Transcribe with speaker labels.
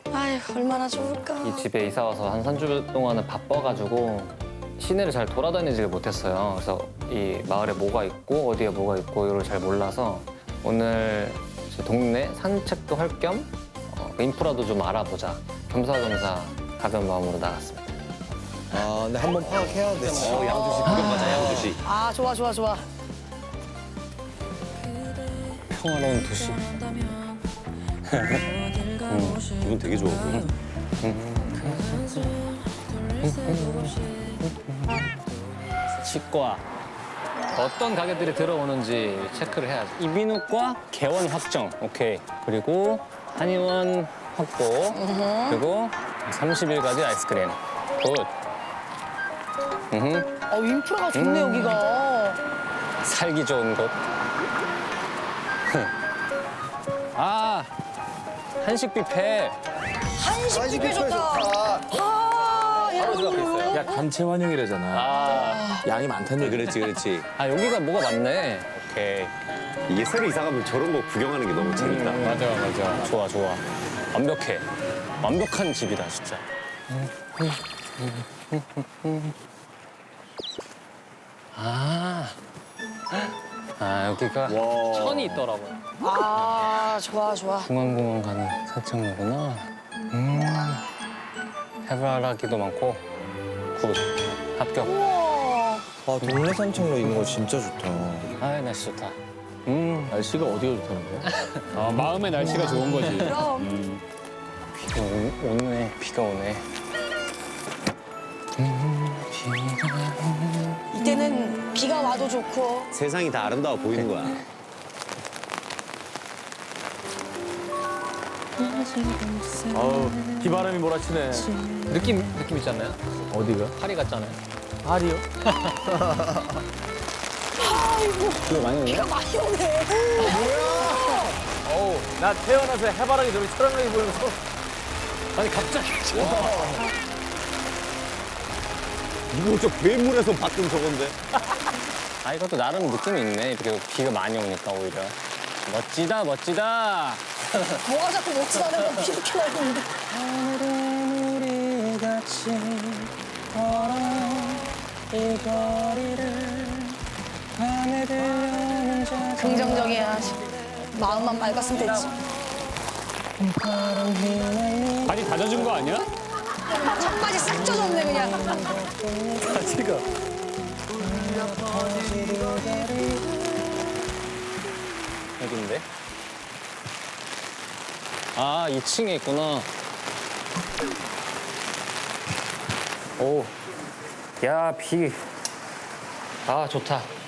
Speaker 1: 아휴, 얼마나 좋을까.
Speaker 2: 이 집에 이사 와서 한 3주 동안은 바빠가지고 시내를 잘 돌아다니지를 못했어요. 그래서 이 마을에 뭐가 있고 어디에 뭐가 있고 이걸 잘 몰라서 오늘 제 동네 산책도 할 겸 인프라도 좀 알아보자. 겸사겸사 가벼운 마음으로 나갔습니다.
Speaker 3: 아, 근데 한번 파악해야 돼.
Speaker 4: 양주시 구경 가자, 양주시.
Speaker 1: 아, 좋아, 좋아, 좋아.
Speaker 2: 평화로운 도시.
Speaker 4: 기분 되게 좋아 보여.
Speaker 2: 치과. 어떤 가게들이 들어오는지 체크를 해야지. 이비인후과 개원 확정. 오케이. 그리고 한의원 확보. 그리고 30일까지 아이스크림. 굿.
Speaker 1: 인프라가 좋네, 여기가.
Speaker 2: 살기 좋은 곳. 아, 한식 뷔페.
Speaker 1: 한식 뷔페 좋다. 아, 야,
Speaker 2: 바로 집 앞에 있어요.
Speaker 5: 야, 단체 환영이라잖아.
Speaker 2: 아,
Speaker 5: 양이 많다는 얘기.
Speaker 4: 그렇지, 그렇지.
Speaker 2: 아 여기가 뭐가 많네. 오케이.
Speaker 4: 이게 새로 이사 가면 저런 거 구경하는 게 너무 재밌다.
Speaker 2: 맞아. 좋아, 좋아. 완벽해. 완벽한 집이다, 진짜. 여기가 천이 있더라고요.
Speaker 1: 아, 좋아, 좋아.
Speaker 2: 중앙공원 가는 산책로구나. 해바라기도 많고. 굿. 합격.
Speaker 1: 우와.
Speaker 3: 아, 동네 산책로 있는 거 진짜 좋다.
Speaker 2: 아, 날씨 좋다.
Speaker 5: 날씨가 어디가 좋다는 거야? 아, 마음의 날씨가 좋은 거지.
Speaker 1: 그럼.
Speaker 2: 비가 오네. 비가 오네.
Speaker 1: 이때는 비가 와도 좋고.
Speaker 4: 세상이 다 아름다워 보이는 거야.
Speaker 5: 아우, 비바람이 몰아치네.
Speaker 2: 느낌 있지 않나요?
Speaker 5: 어디가?
Speaker 2: 파리 같잖아요.
Speaker 5: 파리요?
Speaker 1: 아이고,
Speaker 5: 비가 많이 오네?
Speaker 1: 비가 많이 오네.
Speaker 5: 어우, 나 태어나서 해바라기 저렇게 초롱하게 보면서.
Speaker 2: 아니 갑자기.
Speaker 4: 이거 저 괴물에서 봤던 저건데.
Speaker 2: 아 이것도 나름 느낌이 있네. 이렇게 비가 많이 오니까 오히려. 멋지다.
Speaker 1: 뭐가 자꾸 멋지다는 건 비 이렇게 많이 오는데.
Speaker 2: 하늘은 우리 같이 걸어 이 거리를 밤에 들려오는 저
Speaker 1: 긍정적이야. 마음만 맑았으면 됐지.
Speaker 5: 발이 다 젖은 거 아니야?
Speaker 1: 청바지 싹 젖었네, 그냥.
Speaker 5: 바지가.
Speaker 2: 여긴데? 아 2층에 있구나. 오, 야 비. 아 좋다.